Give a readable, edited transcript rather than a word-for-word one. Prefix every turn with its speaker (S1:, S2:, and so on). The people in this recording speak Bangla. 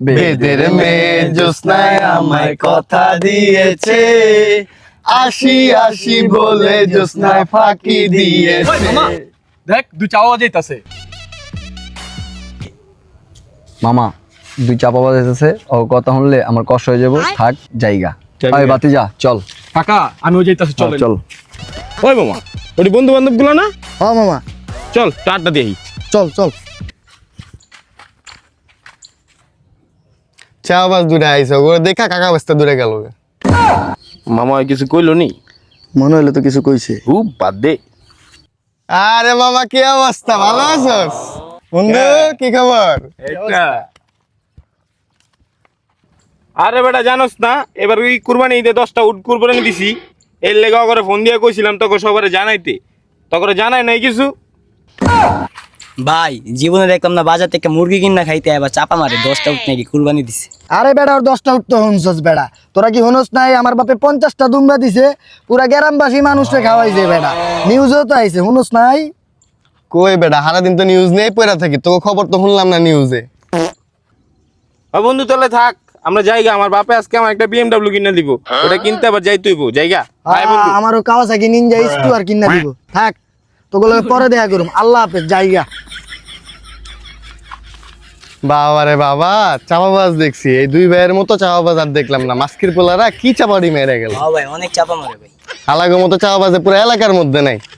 S1: বেদের মেয়ে জ্যোৎস্নায় আমায় কথা দিয়েছে, আসি আসি বলে জ্যোৎস্নায় ফাঁকি দিয়েছে।
S2: দেখ দুই চাওয়া যাইতাছে।
S3: মামা দুই চাপা বাজাইতেছে, ও কথা শুনলে আমার কষ্ট হয়ে যাবো, থাক জায়গা। আয় বাতি যা, চল
S2: কাকা আমিও যাইতাছি, চল
S3: চল।
S4: ওই মামা ওই বন্ধু বান্ধব গুলো না,
S1: হ্যাঁ মামা
S4: চল টাটা দিই।
S1: চল চল। চা বাস দূরে আইসো, ওরা দেখা কাকা বাস্তা দূরে গেল।
S4: মামা ওই কিছু কইলো নি?
S3: মনে হইলে তো কিছু কইছে।
S4: বাদ দে।
S1: আরে মামা কি অবস্থা, ভালো আছোস? বন্ধু কি খবর?
S4: আরে বেটা জানোস না, এবার ওই কুরবানি ঈদে 10টা উট কুরবানি দিছি, এর লেগে করে ফোন দিয়ে কইছিলাম তোকে সবারে জানাইতে, তোকে জানাই নাই কিছু।
S5: ভাই জীবনে দেখলাম না বাজার থেকে মুরগি কিনা খাইতে এবার চাপা মারে 10টা উঠ নাকি কুরবানি দিছে।
S6: আরে বেড়া ওর 10টা উঠতে হনছস বেড়া, তোরা কি হনস নাই? আমার বাপে 50টা দুম্বা দিছে, পুরা গ্রামবাসী মানুষকে খাওয়াইছে বেড়া, নিউজও তো আইছে, হনস নাই?
S1: কই বেটা, সারাদিন তো নিউজ নেই পড়া থাকি, তোকে খবর তো শুনলাম না নিউজে।
S4: বন্ধু তাহলে থাক, আমরা জায়গা, আমার বাপে আজকে আমার একটা BMW কিনে দিব, ওটা কিনতে আবার যাই তুইব জায়গা। আয় বন্ধু।
S6: আমারও কাওয়াসাকি নিনজা স্টুয়ার কিনা দিব, থাক তোগুলো পরে দেখা করুম। আল্লাহ হাফেজ, জায়গা।
S1: বাবা রে বাবা, চাপাবাজ দেখছি, এই দুই ভাইয়ের মতো চাপাবাজ আর দেখলাম না। মাস্কির পোলারা কি চাপাড়ি মেরে গেল,
S5: হ্যাঁ ভাই অনেক চাপা মারে ভাই।
S1: আলাগো মতো চাপাবাজে পুরো এলাকার মধ্যে নাই।